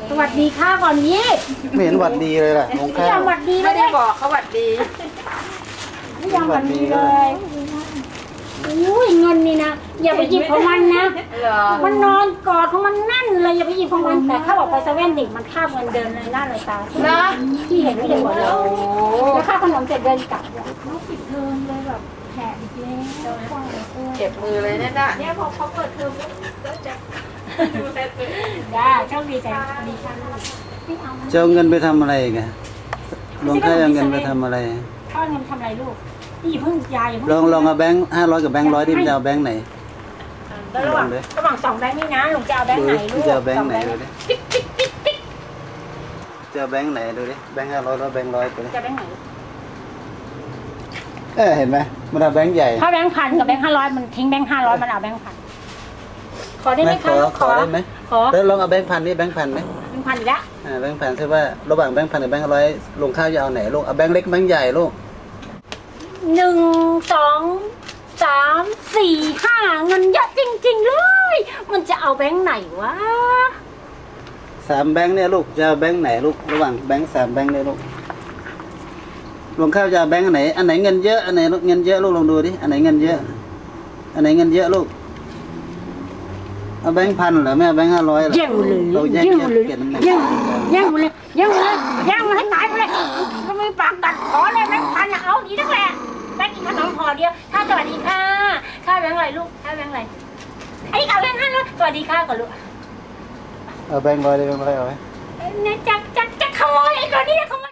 สวัสดีค่ะก่อนนี้ไม่เห็นหวัดดีเลยล่ะมงคลไม่ยอมหวัดดีไม่ได้บอกเขาหวัดดีไม่ยอมหวัดดีเลยอุ้ยเงินนี่นะอย่าไปหยิบของมันนะมันนอนกอดของมันนั่นเลยอย่าไปหยิบของมันแต่ถ้าบอกไปเซเว่นดิมันข้ามเงินเดินเลยหน้าเลยตานะที่เห็นไม่เห็นหมดเลยแล้วค่าขนมเสร็จเดินกลับเขาปิดเทอมเลยแบบแผลอีกแล้วเก็บมือเลยเนี่ยเนี่ยพอเขาเปิดเทอมก็จะได้โชคดีใจดีค่ะจะเอาเงินไปทำอะไรกันหลวงพ่อเอาเงินไปทำอะไรพ่อเงินทำอะไรลูกนี่เพิ่งยายลองเอาแบงค์500กับแบงค์100ที่จะเอาแบงค์ไหนระหว่าง2แบงค์นี่นะหลวงจะเอาแบงค์ไหนลูกจะเอาแบงค์ไหนดูดิจะเอาแบงค์ไหนดูดิแบงค์500แล้วแบงค์100ไปเลยจะแบงค์ไหนเห็นไหมมันเอาแบงค์ใหญ่ถ้าแบงค์1,000กับแบงค์500มันทิ้งแบงค์500มันเอาแบงค์1,000ขอได้ไหมคะขอได้ไหมขอแล้วลองเอาแบงค์1,000นี่แบงค์1,000ไหมแบงค์1,000อีกแล้วแบงค์1,000ใช่ว่าระหว่างแบงค์1,000กับแบงค์100ลงข้าวจะเอาไหนลูกเอาแบงค์เล็กแบงค์ใหญ่ลูก 1 2 3 4 5เงินเยอะจริงๆเลยมันจะเอาแบงค์ไหนวะ 3แบงค์เนี่ยลูกจะเอาแบงค์ไหนลูกระหว่างแบงค์3แบงค์เนี่ยลูกลงข้าวจะเอาแบงค์ไหนอันไหนเงินเยอะอันไหนเงินเยอะลูกลองดูดิอันไหนเงินเยอะอันไหนเงินเยอะลูกเอาแบงค์1,000เหรอแม่แบงค์500เหรอแย่งเลยแย่งเลยแย่งเลยแย่งเลยแย่งให้ตายไปเลยก็มีปากกัดขอเลยแบงค์1,000เอาดีนักแหละแบงค์กินขนมพอเดียวถ้าสวัสดีค่ะค่าแบงค์อะไรลูกค่าแบงค์อะไรไอ้กับแบงค์500สวัสดีค่ะก่อนลูกเอาแบงค์100เลยแบงค์100เอาไว้เนี่ยจักขโมยไอ้ตัวนี้ขโมย